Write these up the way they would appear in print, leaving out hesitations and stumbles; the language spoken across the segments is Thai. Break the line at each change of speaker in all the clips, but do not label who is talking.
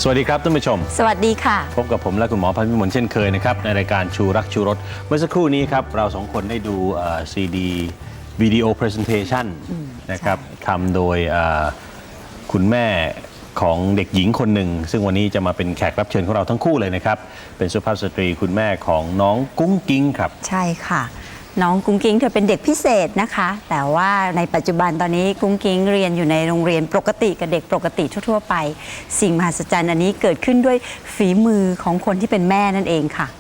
สวัสดีครับท่านผู้ชม
สวัสดีค่ะ
พบกับผมและคุณหมอพันธ์พิมลเช่นเคยนะครับในรายการชูรักชูรสเมื่อสักครู่นี้ครับเราสองคนได้ดูซีดีวิดีโอพรีเซนเทชันนะครับทำโดยคุณแม่ของเด็กหญิงคนหนึ่งซึ่งวันนี้จะมาเป็นแขกรับเชิญของเราทั้งคู่เลยนะครับเป็นสุภาพสตรีคุณแม่ของน้องกุ้งกิ้งครับ
ใช่ค่ะน้องกุ้งกิ้งเธอเป็นเด็กพิเศษนะคะแต่ว่าในปัจจุบันตอนนี้กุ้งกิ้งเรียนอยู่ในโรงเรียนปกติกับเด็กปกติทั่วๆไปสิ่งมหัศจรรย์อันนี้เกิดขึ้นด้วยฝีมือของคนที่เป็นแม่นั่นเองค่ะ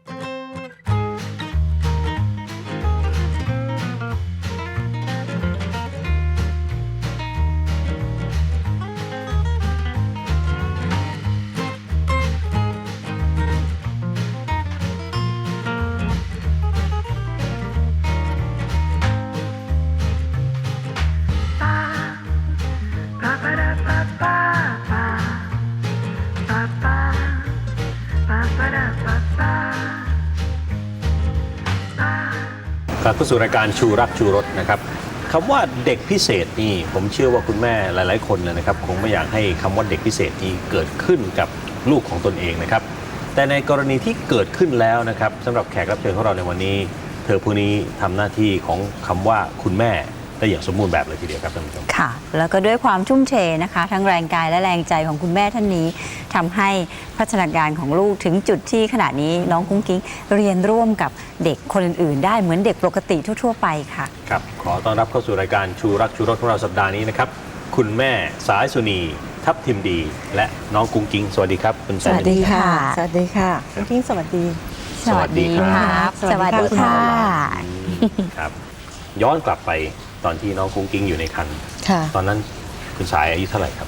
กลับเข้าสู่รายการชูรักชูรสนะครับคำว่าเด็กพิเศษนี่ผมเชื่อว่าคุณแม่หลายๆคนเลยนะครับคงไม่อยากให้คำว่าเด็กพิเศษนี้เกิดขึ้นกับลูกของตนเองนะครับแต่ในกรณีที่เกิดขึ้นแล้วนะครับสำหรับแขกรับเชิญของเราในวันนี้เธอผู้นี้ทำหน้าที่ของคำว่าคุณแม่ได้อย่างสมบูรณ์แบบเลยทีเดียวครับท่านผู้ชม
ค่ะแล้วก็ด้วยความทุ่มเทนะคะทั้งแรงกายและแรงใจของคุณแม่ท่านนี้ทำให้พัฒนาการของลูกถึงจุดที่ขณะนี้น้องกุ้งกิ้งเรียนร่วมกับเด็กคนอื่นๆได้เหมือนเด็กปกติทั่วๆไปค่ะ
ครับขอต้อนรับเข้าสู่รายการชูรักชูรสของเราสัปดาห์นี้นะครับคุณแม่สายสุนีทับทิมดีและน้องกุ้งกิ้งสวัสดีครับคุณ
สวัสดีค่ะสวัสดีค่ะกุ้งกิ้งสวัสดี
สวัสดีครับสวัสดีค่ะ
ครับย้อนกลับไปตอนที่น้องกุ้งกิ้งอยู่ในครรภ์ตอนนั้นคุณสายอายุเท่าไหร่ครับ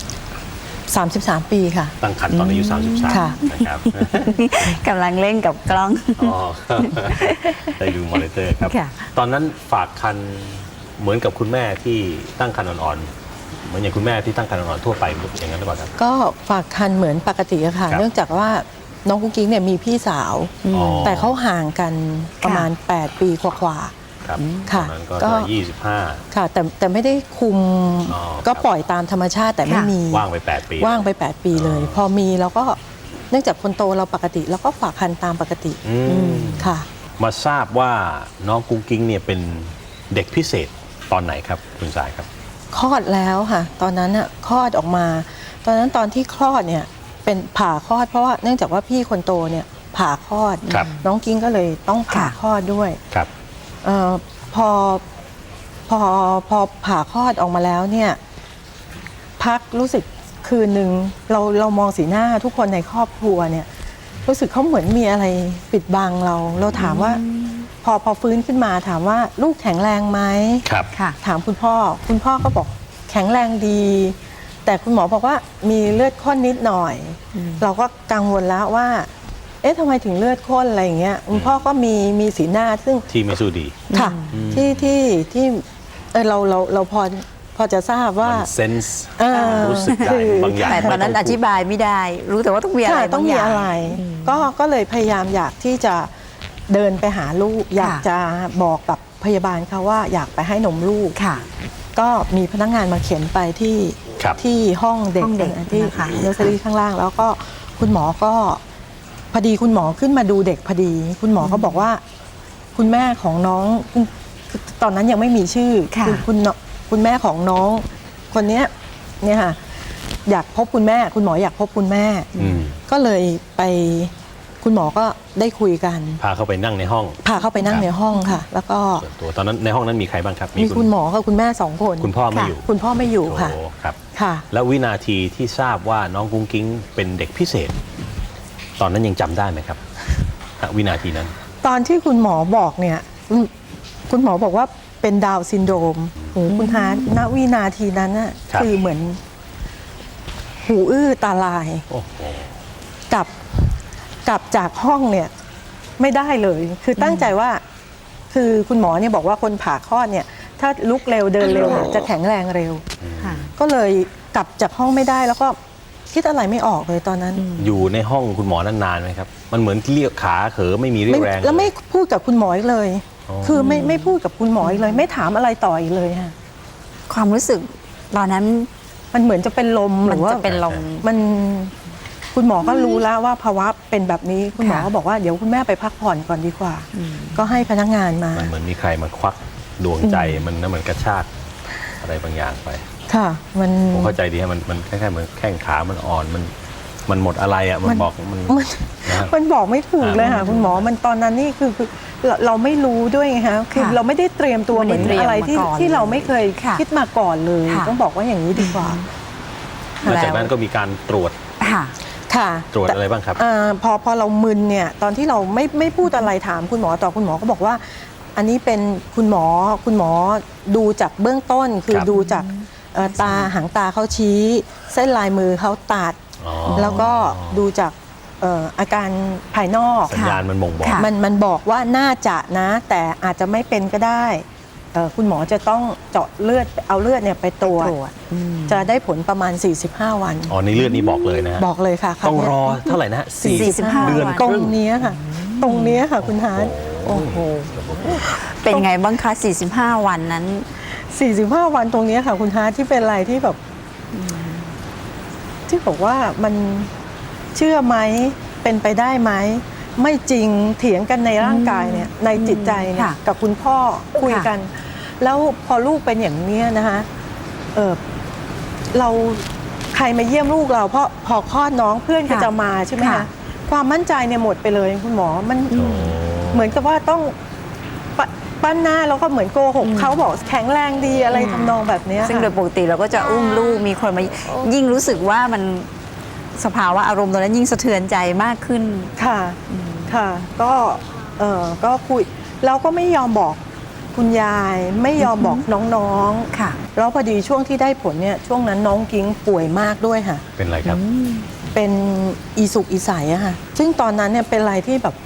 33 ปีค่ะ
ตั้งครรภ์ตอนอายุ33นะครับ
กำลังเล่นกับกล้อง
ได้ดูมอนิเตอร์ครับตอนนั้นฝากครรภ์เหมือนกับคุณแม่ที่ตั้งครรภ์อ่อนๆเหมือนอย่างคุณแม่ที่ตั้งครรภ์อ่อนๆทั่วไปอย่างนั้นหรือเปล่าครับ
ก็ฝากครรภ์เหมือนปกติค่ะเนื่องจากว่าน้องกุ้งกิ้งเนี่ยมีพี่สาวแต่เขาห่างกันประมาณ8 ปีกว่า
ครับ
ค่ะ
ก็25
ค่ะแต่ไม่ได้คุมก็ปล่อยตามธรรมชาติแต่ไม่มี
ว่างไป8 ปี
ว่างไป8 ปีเลยพอมีเราก็เนื่องจากคนโตเราปกติเราก็ฝากคันตามปกติค่ะ
มาทราบว่าน้องกุ้งกิ้งเนี่ยเป็นเด็กพิเศษตอนไหนครับคุณสายครับ
คลอดแล้วค่ะตอนนั้นน่ะคลอดออกมาตอนนั้นตอนที่คลอดเนี่ยเป็นผ่าคลอดเพราะว่าเนื่องจากว่าพี่คนโตเนี่ยผ่าคลอดน้องกิ้งก็เลยต้องผ่าคลอดด้วยพอผ่าคลอดออกมาแล้วเนี่ยพักรู้สึกคืนหนึ่งเรามองสีหน้าทุกคนในครอบครัวเนี่ยรู้สึกเขาเหมือนมีอะไรปิดบังเราถามว่าพอฟื้นขึ้นมาถามว่าลูกแข็งแรงไหม
ครับ
ถามคุณพ่อก็บอกแข็งแรงดีแต่คุณหมอบอกว่ามีเลือดข้นนิดหน่อยเราก็กังวลแล้วว่าทำไมถึงเลือดข้นอะไรอย่างเงี้ยคุณพ่อก็มีสีหน้าซึ่ง
ที่ไม่สู้ดี
ค่ะที่เราพอจะทราบว่า
เซนส์รู้สึกได้บางอย่าง
แต่ตอนนั้นอธิบายไม่ได้รู้แต่ว่าต้องมีอะไร
ต้องมีอะไรก็เลยพยายามอยากที่จะเดินไปหาลูกอยากจะบอกกับพยาบาลเขาว่าอยากไปให้นมลูกก็มีพนักงานมาเข็นไปที่ห้องเด็กที่เนอร์เซอรี่ข้างล่างแล้วก็คุณหมอก็พอดีคุณหมอขึ้นมาดูเด็กพอดีคุณหมอก็บอกว่าคุณแม่ของน้องตอนนั้นยังไม่มีชื่อคุณแม่ของน้องคนนี้เนี่ยค่ะอยากพบคุณแม่คุณหมออยากพบคุณแม่ก็เลยไปคุณหมอก็ได้คุยกัน
พาเข้าไปนั่งในห้อง
ค่ะแล้วก็
ตัวตอนนั้นในห้องนั้นมีใครบ้างครับ
มีคุณหมอกับคุณแม่2 คน
คุณพ่อไม่อยู่
ค่ะ
ครับ
ค่ะ
แล้ววินาทีที่ทราบว่าน้องกุ้งกิ้งเป็นเด็กพิเศษตอนนั้นยังจำได้ไหมครับวินาทีนั้น
ตอนที่คุณหมอบอกเนี่ยคุณหมอบอกว่าเป็นดาวน์ซินโดรมคุณฮาร์ณวินาทีนั้นน่ะคือเหมือนหูอื้อตาลายกลับจากห้องเนี่ยไม่ได้เลยคือตั้งใจว่าคือคุณหมอเนี่ยบอกว่าคนผ่าคลอดเนี่ยถ้าลุกเร็วเดินเร็วจะแข็งแรงเร็วก็เลยกลับจากห้องไม่ได้แล้วก็คิดอะไรไม่ออกเลยตอนนั้น
อยู่ในห้องคุณหมอนั้นนานไหมครับมันเหมือนเรียกขาเขอไม่มีเรี่ยวแรง
แล้วไม่พูดกับคุณหมออีกเลย คือไม่พูดกับคุณหมออีกเลยไม่ถามอะไรต่ออีกเลยค่ะ
ความรู้สึกตอนนั้น
มันเหมือนจะเป็นลมหรือว่า
จะเป็นลม
มันคุณหมอก็รู้แล้วว่าภาวะเป็นแบบนี้คุณหมอก็บอกว่าเดี๋ยวคุณแม่ไปพักผ่อนก่อนดีกว่า ก็ให้พนักงานมา
มันเหมือนมีใครมาควักดวงใจมันเหมือนกระชากอะไรบางอย่างไป
ค่ะมัน
ผมเข้าใจดีฮะมันคล้ายๆเหมือนแข้งขามันอ่อนมันหมดอะไรอ่ะมันบอกมันนะ
มันบอกไม่ถูกเลยค่ะคุณหมอมันตอนนั้นนี่คือเราไม่รู้ด้วยไงคะคือเราไม่ได้เตรียมตัวเหมือนอะไรที่เราไม่เคยคิดมาก่อนเลยต้องบอกว่าอย่างนี้ดีกว่า
หลังจากนั้นก็มีการตรวจ
ค่ะ
ค่ะ
ตรวจอะไรบ้างครับ
พอเรามึนเนี่ยตอนที่เราไม่พูดอะไรถามคุณหมอต่อคุณหมอก็บอกว่า อันนี้เป็นคุณหมอดูจากเบื้องต้นคือ
ครับ
ดูจากตาหางตาเขาชี้ เส้นลายมือเขาตัด
อ๋อ
แล้วก็ดูจากอาการภายนอก
สัญญาณมันบ่งบอก
ค่ะ
มันบอกว่าน่าจะนะ แต่อาจจะไม่เป็นก็ได้คุณหมอจะต้องเจาะเลือดเอาเลือดเนี่ยไปตรวจจะได้ผลประมาณ 45 วัน
อ๋อในเลือดนี้บอกเลยนะฮะ
บอกเลยค่ะ
ต้องรอเท่าไหร่นะฮะ
45
เดือน
ต
ค
รง
รึ่ง
เนี้ยค่ะ ตรงเนี้ยค่ะคุณฮาร์ด
โอ้โห เป็นไงบ้างคะ 45 วันนั้น
45 วันตรงเนี้ยค่ะคุณฮาร์ดที่เป็นอะไรที่แบบที่บอกว่ามันเชื่อไหมเป็นไปได้ไหมไม่จริงเถียงกันในร่างกายเนี่ยในจิตใจเนี่ย
ค่ะ
กับคุณพ่อคุยกัน แล้วพอลูกเป็นอย่างเนี้ยนะคะเราใครมาเยี่ยมลูกเราเพราะพอคลอดน้องเพื่อนก็
ค่ะ
จะมาใช่ไหม
ค่ะ
คะความมั่นใจเนี่ยหมดไปเลยคุณหมอมันเหมือนกับว่าต้องปั้นหน้าแล้วก็เหมือนโกหกเขาบอกแข็งแรงดีอะไรทำนองแบบเนี้ย
ซึ่งโดย
ค่ะ
ปกติเราก็จะอุ้มลูกมีคนมายิ่งรู้สึกว่ามันสภาวะอารมณ์ตอนนั้นยิ่งสะเทือนใจมากขึ้น
ค่ะค่ะก็คุยเราก็ไม่ยอมบอกคุณยายไม่ยอมบอกน้องๆ
ค่ะ
แล้วพอดีช่วงที่ได้ผลเนี่ยช่วงนั้นน้องกิ้งป่วยมากด้วยค่ะ
เป็นไรครับ
เป็นอีสุกอีใสอะค่ะซึ่งตอนนั้นเนี่ยเป็นอะไรที่แบบ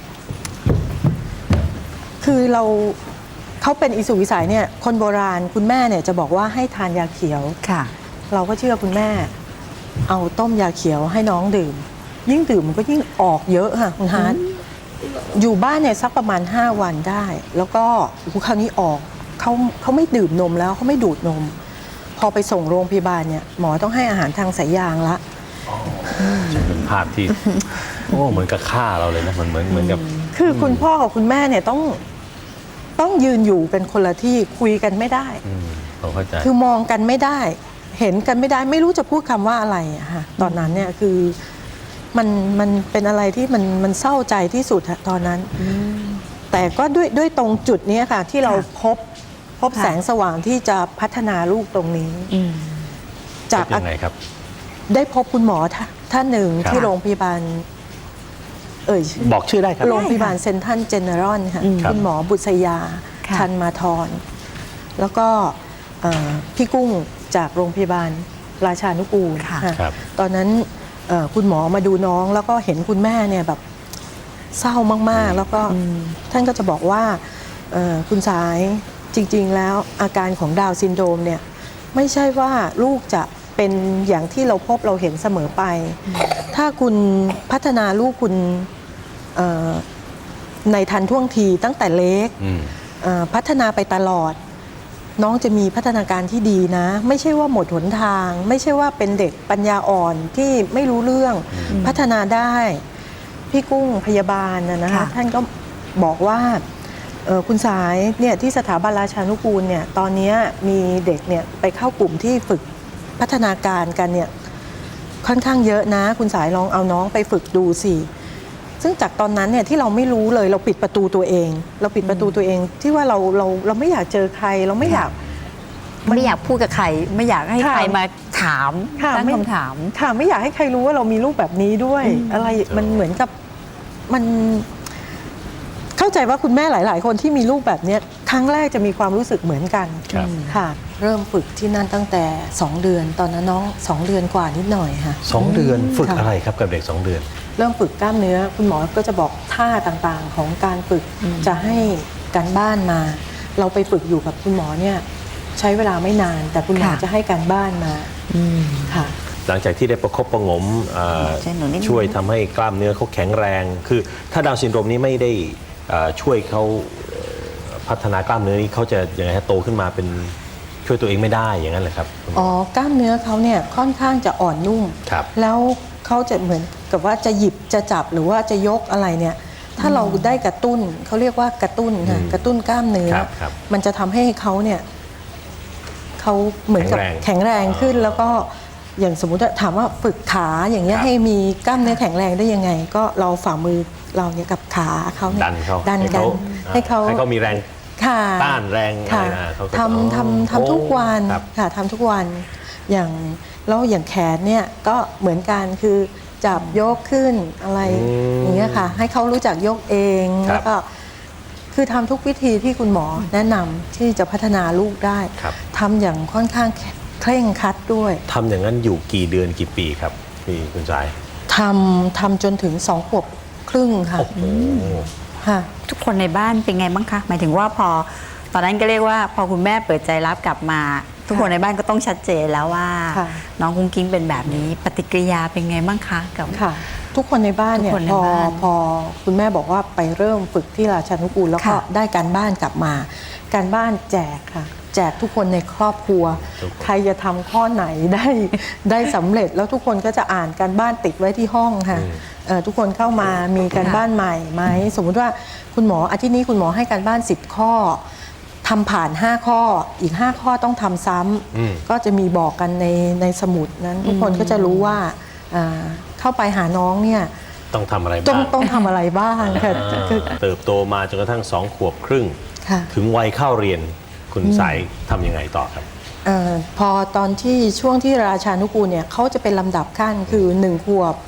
คือเขาเป็นอีสุกอีใสเนี่ยคนโบราณคุณแม่เนี่ยจะบอกว่าให้ทานยาเขียว
ค่ะ
เราก็เชื่อคุณแม่ เอาต้มยาเขียวให้น้องดื่ม ยิ่งดื่มมันก็ยิ่งออกเยอะค่ะคุณฮาร์ดอยู่บ้านเนี่ยสักประมาณ 5 วันได้ แล้วก็คราวนี้ออกเขาไม่ดื่มนมแล้วเขาไม่ดูดนม พอไปส่งโรงพยาบาลเนี่ยหมอต้องให้อาหารทางสายยางละ
เป็นภาพที่ โอ้เหมือนกับฆ่าเราเลยนะมันเหมือนกับ
คือคุณพ่อกับคุณแม่เนี่ยต้องยืนอยู่เป็นคนละที่คุยกันไม่ได้
ผมเข้าใจ
คือมองกันไม่ได้ เห็นกันไม่ได้ ไม่รู้จะพูดคำว่าอะไรอะค่ะตอนนั้นเนี่ยคือมันเป็นอะไรที่มันเศร้าใจที่สุดอะตอนนั้น แต่ก็ด้วยตรงจุดนี้ค่ะ ที่เราพบ
ค่ะ
แสงสว่างที่จะพัฒนาลูกตรงนี้ จาก
ยังไงครับ
ได้พบคุณหมอท่านหนึ่ง
ครับ
ที่โรงพยาบาลชื่อ
บอกชื่อได้ครับ
โรงพยาบาลเซนทรัลเจเนอรัลค่ะ
ครับ
คุณหมอบุษยา
ค่ะ
ชันมาทรแล้วก็พี่กุ้งจากโรงพยาบาลราชานุกูล
ค่ะ
ค่ะ
ครับ
ตอนนั้นคุณหมอมาดูน้องแล้วก็เห็นคุณแม่เนี่ยแบบเศร้ามากๆ แล้วก็ท่านก็จะบอกว่าคุณสายจริงๆแล้วอาการของดาวน์ซินโดรมเนี่ยไม่ใช่ว่าลูกจะเป็นอย่างที่เราพบเราเห็นเสมอไป ถ้าคุณพัฒนาลูกคุณในทันท่วงทีตั้งแต่เล็ก พัฒนาไปตลอด น้องจะมีพัฒนาการที่ดีนะ ไม่ใช่ว่าหมดหนทาง ไม่ใช่ว่าเป็นเด็กปัญญาอ่อนที่ไม่รู้เรื่องพัฒนาได้ พี่กุ้งพยาบาลนะคะ
ค่ะ
ท่านก็บอกว่าคุณสายเนี่ยที่สถาบันราชานุกูลเนี่ยตอนนี้มีเด็กเนี่ยไปเข้ากลุ่มที่ฝึกพัฒนาการกันเนี่ยค่อนข้างเยอะนะ คุณสายลองเอาน้องไปฝึกดูสิ ซึ่งจากตอนนั้นเนี่ยที่เราไม่รู้เลยเราปิดประตูตัวเอง เราปิดประตูตัวเองที่ว่าเราไม่อยากเจอใครเราไม่อยาก
ไม่อยากพูดกับใคร ไม่อยากให้
ค่ะ
ใครมาถาม
ค่ะ
ตั้ง
ไม่
คำถาม
ค่ะไม่อยากให้ใครรู้ว่าเรามีลูกแบบนี้ด้วย อะไรมันเหมือนกับมันเข้าใจว่าคุณแม่หลาย ๆ คนที่มีลูกแบบเนี้ยครั้งแรกจะมีความรู้สึกเหมือนกัน
ครับ
ค่ะ เริ่มฝึกที่นั่นตั้งแต่ 2 เดือน ตอนนั้นน้อง 2 เดือนกว่านิดหน่อยค่ะ
2 เดือนฝึก
ค่ะ
อะไรครับกับเด็ก 2 เดือน
เริ่มฝึกกล้ามเนื้อ คุณหมอก็จะบอกท่าต่างๆ ของการฝึกจะให้การบ้านมา เราไปฝึกอยู่กับคุณหมอเนี่ยใช้เวลาไม่นาน แต่คุณหมอ
ค่ะ
จะให้การบ้านมาค่ะ
หลังจากที่ได้ประคบประหงม
ใช่หนูนิดนึง
ช่วยทำให้กล้ามเนื้อเขาแข็งแรง คือถ้าดาวน์ซินโดรมนี้ไม่ได้ช่วยเขาพัฒนากล้ามเนื้อนี้เขาจะยังไงฮะโตขึ้นมาเป็นช่วยตัวเองไม่ได้อย่างนั้นเหรอครับคุณหมอ
อ๋อกล้ามเนื้อเขาเนี่ยค่อนข้างจะอ่อนนุ่ม
ครับ
แล้วเขาจะเหมือนกับว่าจะหยิบจะจับหรือว่าจะยกอะไรเนี่ยถ้าเราได้กระตุ้นเขาเรียกว่ากระตุ้นค่ะกระตุ้นกล้ามเนื้อ
ครับ
มันจะทำให้เขาเนี่ยเขาเหมือนกับแข็งแรงขึ้นแล้วก็อย่างสมมุติถามว่าฝึกขาอย่างเงี้ยให้มีกล้ามเนื้อแข็งแรงได้ยังไง ก็เราฝ่ามือเราเนี่ยกับขาเขาเนี่ย
ดันเขา
ดันกันให้เขา
มีแรง
ค่ะ
ต้านแรงอะไร
ค่ะ
นะเขาก็
ทำทุกวัน
ครับ
ค่ะทำทุกวันอย่างแล้วอย่างแขนเนี่ยก็เหมือนกันคือจับยกขึ้นอะไรอย่างเงี้ยค่ะให้เขารู้จักยกเองแล้วก็คือทำทุกวิธีที่คุณหมอแนะนำที่จะพัฒนาลูกได้
ครับ
ทำอย่างค่อนข้างเคร่งครัดด้วย
ทำอย่างนั้นอยู่กี่เดือนกี่ปีครับพี่คุณสาย
ทำจนถึง2 ขวบครึ่งค่ะ
โอ้โห
ค่ะ
ทุกคนในบ้านเป็นไงบ้างคะ หมายถึงว่าพอตอนนั้นก็เรียกว่าพอคุณแม่เปิดใจรับกลับมา ทุกคนในบ้านก็ต้องชัดเจนแล้วว่า
ค่ะ
น้องกุ้งกิ้งเป็นแบบนี้ปฏิกิริยาเป็นไงบ้างคะกับ
ค่ะ ทุกคนในบ้านเนี่ย
ทุกคนใน
พอ
บ้าน
พอคุณแม่บอกว่าไปเริ่มฝึกที่ราชานุกูลแล้วก็
ค่ะ
ได้การบ้านกลับมา การบ้านแจกค่ะ แจกทุกคนในครอบครัว
ทุกคน
ใครจะทำข้อไหนได้สำเร็จแล้วทุกคนก็จะอ่านการบ้านติดไว้ที่ห้องค่ะทุกคนเข้ามามีการบ้านใหม่ไหมสมมุติว่าคุณหมออาทิตย์นี้คุณหมอให้การบ้าน10 ข้อทำผ่าน5 ข้ออีก5 ข้อต้องทำซ้ำก็จะมีบอกกันในสมุดนั้น ทุกคนก็จะรู้ว่าเข้าไปหาน้องเนี่ย
ต้องทำอะไร
ต้อ
บ้าง ง
ต้องทำอะไรบ้างค่ะคือ
เติบโตมาจนกระทั่ง2 ขวบครึ่ง
ค่ะ
ถึงวัยเข้าเรียนคุณสายทำยังไงต่อครับ
พอตอนที่ช่วงที่ราชานุกูลเนี่ยเขาจะเป็นลำดับขั้นคือ1 ขวบ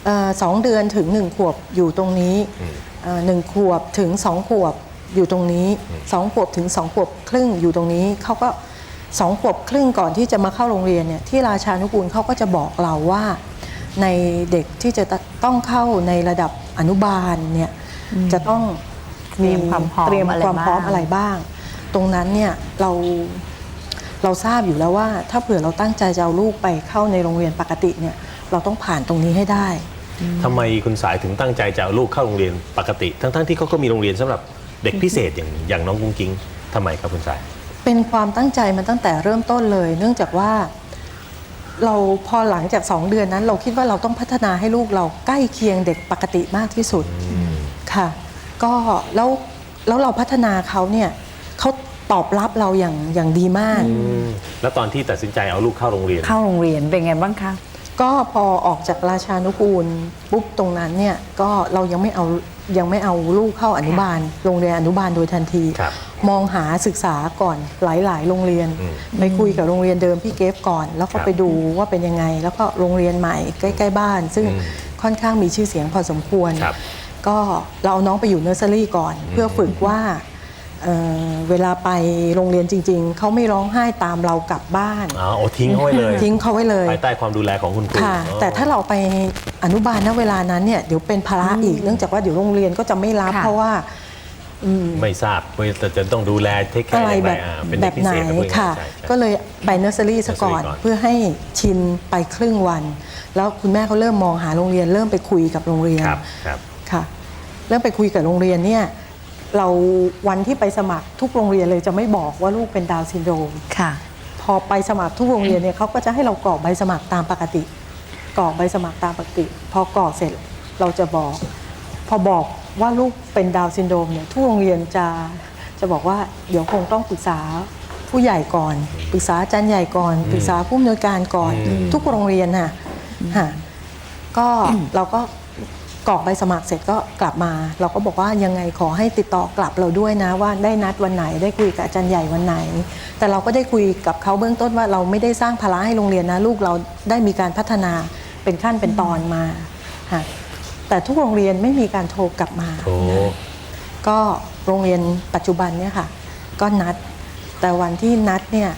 2 เดือนถึง1 ขวบอยู่ตรงนี้1 ขวบถึง2 ขวบอยู่ตรงนี้2 ขวบถึง2 ขวบครึ่งอยู่ตรงนี้เขาก็2 ขวบครึ่งก่อนที่จะมาเข้าโรงเรียนเนี่ยที่ราชานุกูลเขาก็จะบอกเราว่าในเด็กที่จะต้องเข้าในระดับอนุบาลเนี่ยจะต้อง
เตรียมความพร้อม
เตรียมความพร้อม
อะไรบ้าง
อะไรบ้าง ตรงนั้นเนี่ยเราทราบอยู่แล้วว่าถ้าเผื่อเราตั้งใจจะเอาลูกไปเข้าในโรงเรียนปกติเนี่ยเราต้องผ่านตรงนี้ให้ได้
ทำไมคุณสายถึงตั้งใจจะเอาลูกเข้าโรงเรียนปกติ ทั้งที่เขาก็มีโรงเรียนสำหรับเด็กพิเศษอย่างน้องกุ้งกิ้งทำไมครับคุณสาย
เป็นความตั้งใจมันตั้งแต่เริ่มต้นเลย เนื่องจากว่าเราพอหลังจาก2 เดือนนั้น เราคิดว่าเราต้องพัฒนาให้ลูกเราใกล้เคียงเด็กปกติมากที่สุดค่ะก็แล้วเราพัฒนาเขาเนี่ยเขาตอบรับเราอย่างดีมาก
แล้วตอนที่ตัดสินใจเอาลูกเข้าโรงเรียน
เข้าโรงเรียนเป็นไงบ้างคะ
ก็พอออกจากราชานุกูลปุ๊บตรงนั้นเนี่ยก็เรายังไม่เอาลูกเข้าอนุบาล โรงเรียนอนุบาลโดยทันที
ครับ
มองหาศึกษาก่อนหลายๆ โรงเรียนไปคุยกับโรงเรียนเดิมพี่เกฟก่อน แล้วก็
ครับ
ไปดูว่าเป็นยังไง แล้วก็โรงเรียนใหม่ใกล้ๆบ้าน ซึ่งค่อนข้างมีชื่อเสียงพอสมควร
ครับ
ก็เราเอาน้องไปอยู่เนอร์เซอรี่ก่อน เพื่อฝึกว่าเวลาไปโรงเรียนจริง ๆเขาไม่ร้องไห้ตามเรากลับบ้าน
อ๋อโอ้ทิ้งเขาไว้เลย
ทิ้งเขาไว้เลย
ภายใต้ความดูแลของคุณครู
ค่ะ
อ๋อ
แต่ถ้าเราไปอนุบาลณเวลานั้นเนี่ยเดี๋ยวเป็นภาระอีกเนื่องจากว่าเดี๋ยวโรงเรียนก็จะไม่รับ
ค่ะ
เพราะว่า
ไม่ทราบว่าจะต้องดูแลเทคแค
อะไร
ร์
แบบ
เป็น
แบ
เด็ก
บ
พิ
ไหน
เศษนะพูดง่ายๆ
ค่ะ
ใช่ใช่
ก็เลยไปเนอร์เซอรี่ซะก่อน
nursery ก่อน
เพื่อให้ชินไปครึ่งวัน แล้วคุณแม่เขาเริ่มมองหาโรงเรียน เริ่มไปคุยกับโรงเรียน
ครับครับ
ค่ะเริ่มไปคุยกับโรงเรียนเนี่ยเราวันที่ไปสมัครทุกโรงเรียนเลยจะไม่บอกว่าลูกเป็นดาวน์ซินโดรม
ค่ะ
พอไปสมัครทุกโรงเรียนเนี่ยเขาก็จะให้เรากรอกใบสมัครตามปกติกรอกใบสมัครตามปกติ พอกรอกเสร็จเราจะบอก พอบอกว่าลูกเป็นดาวน์ซินโดรมเนี่ยทุกโรงเรียนจะบอกว่าเดี๋ยวคงต้องปรึกษาผู้ใหญ่ก่อนปรึกษาอาจารย์ใหญ่ก่อนปรึกษาผู้อำนวยการก่อนทุกโรงเรียนค่ะก็เราก็กรอกใบสมัครเสร็จก็กลับมา เราก็บอกว่ายังไงขอให้ติดต่อกลับเราด้วยนะว่าได้นัดวันไหนได้คุยกับอาจารย์ใหญ่วันไหน แต่เราก็ได้คุยกับเขาเบื้องต้นว่าเราไม่ได้สร้างภาระให้โรงเรียนนะลูกเราได้มีการพัฒนาเป็นขั้นเป็นตอนมาค่ะแต่ทุกโรงเรียนไม่มีการโทรกลับมา
โอ้
ก็โรงเรียนปัจจุบันเนี่ยค่ะก็นัด แต่วันที่นัดเนี่ย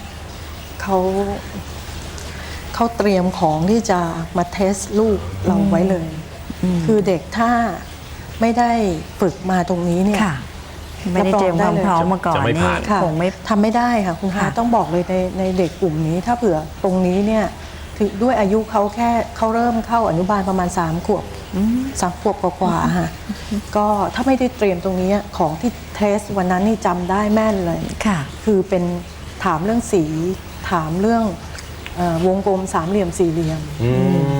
เขาเตรียมของที่จะมาเทสลูกเราไว้เลย คือเด็กถ้าไม่ได้ฝึกมาตรงนี้เนี่ย
ค่ะ ไม่ได้เตรียมความพร้อมมาก่อน
จะไม่
นี่
ผ่าน
ค่ะ
คงไม่
ทำไม่ได้ค่ะคุณ
ค่ะ
คะต้องบอกเลยในเด็กกลุ่มนี้ถ้าเผื่อตรงนี้เนี่ยถึงด้วยอายุเขาแค่เขาเริ่มเข้าอนุบาลประมาณ3 ขวบ3 ขวบกว่าๆค่ะก็ถ้าไม่ได้เตรียมตรงนี้ของที่เทสวันนั้นนี่จำได้แม่นเลย
ค่ะ
คือเป็นถามเรื่องสีถามเรื่องวงกลมสามเหลี่ยมสี่เหลี่ยม
อืม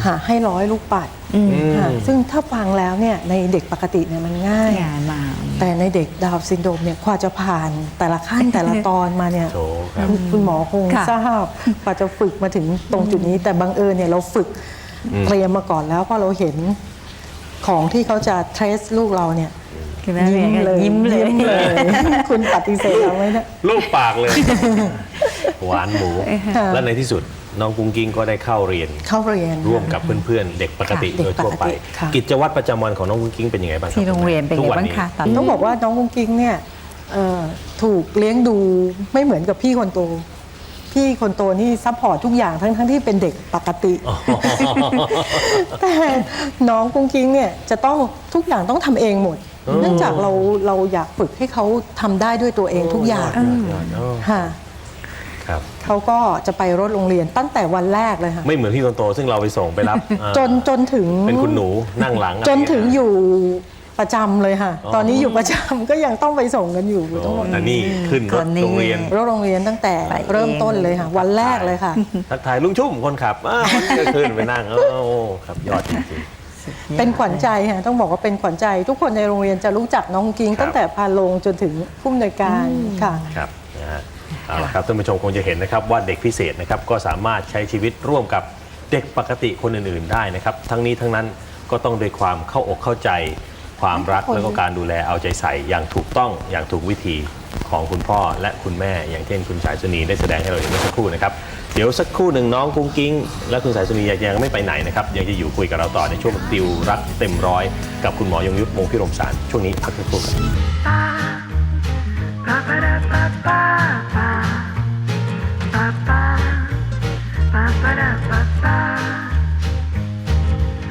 ให้100 ลูกปัดค่ะซึ่งถ้าฟังแล้วเนี่ยในเด็กปกติเนี่ยมันง่าย
งานมา
แต่ในเด็กดาวน์ซินโดรมเนี่ยกว่าจะผ่านแต่ละขั้น แต่ละตอนมาเนี่ย
โถครับ
คุณหมอคง
ค่ะ
ทราบกว่าจะฝึกมาถึงตรงจุดนี้ แต่บังเอิญเนี่ยเราฝึกเตรียมมาก่อนแล้วเพราะเราเห็นของที่เขาจะเทรสลูกเราเนี่ย
คือแม่เรียนก็ยิ้มเลย
คุณปฏิเสธเราไหมเนี่ย
ลูกปากเลย หวานหมู
ค่ะ
และในที่สุดน้องกุ้งกิ้งก็ได้เข้าเรียน
เข้าเรียน
ร่วมกับเพื่อนๆ เด็กปกติ
ค่ะ
โดยทั่วไป
เด็กปกติค่ะ
กิจวัตรประจำวันของน้องกุ้งกิ้งเป็นยังไงบ้างคบ
ที่โรงเรียนเป็น
ทุ
ไง
กวั
บ้าง
นี้
คะตอน
ต้องบอกว่าน้องกุ้งกิ้งเนี่ยถูกเลี้ยงดูไม่เหมือนกับพี่คนโต พี่คนโตนี่ซัพพอร์ตทุกอย่างทั้งที่เป็นเด็กปกติ แต่น้องกุ้งกิ้งเนี่ยจะต้องทุกอย่างต้องทำเองหมด เนื่องจากเราอยากฝึกให้เขาทำได้ด้วยตัวเองทุกอย่าง
ยอดๆอ๋อ
ค่ะ
ครับ
เขาก็จะไปรถโรงเรียนตั้งแต่วันแรกเลยค่ะ
ไม่เหมือนพี่คนโตซึ่งเราไปส่งไปรับอ่า
จนถึง
เป็นคุณหนูนั่งหลังอะไร
จนถึง
เงี้
อยู่ประจำเลยค่ะ
อ๋อ
ตอนนี้อยู่ประจำก็ยังต้องไปส่งกันอยู่
โอ้
ทั้งหมด
แต่นี่ขึ้นรถโรงเรียน
รถโรงเรียนตั้งแต่
ไปเอง
เริ่มต้นเลยค่ะ วันแรกเลยค่ะ
ทักทายลุงชุ่มคนขับก็ขึ้นไปนั่งโอ้ครับยอดจริง
เป็นขวัญใจค่ะต้องบอกว่าเป็นขวัญใจทุกคนในโรงเรียนจะรู้จักน้องกิ้ง
ครับ
ตั้งแต่พาลงจนถึงผู้อำนวยการค่ะ
ๆครับนะฮะเอาละครับท่านผู้ชมคงจะเห็นนะครับว่าเด็กพิเศษนะครับก็สามารถใช้ชีวิตร่วมกับเด็กปกติคนอื่นๆได้นะครับทั้งนี้ทั้งนั้นก็ต้องด้วยความเข้าอกเข้าใจ ความรักแล้วก็การดูแลเอาใจใส่อย่างถูกต้องอย่างถูกวิธีของคุณพ่อและคุณแม่ อย่างเช่นคุณสายสุนีได้แสดงให้เราเห็นเมื่อสักครู่นะครับเดี๋ยวสักครู่หนึ่งน้องกุ้งกิ้งและคุณสายสุนียังไม่ไปไหนนะครับยังจะอยู่คุยกับเราต่อในช่วงติวรักเต็มร้อยกับคุณหมอยงยุทธ วงศ์พิรมสารช่วงนี้พักสักครู่ครับ
Ba-ba-da-ba-ba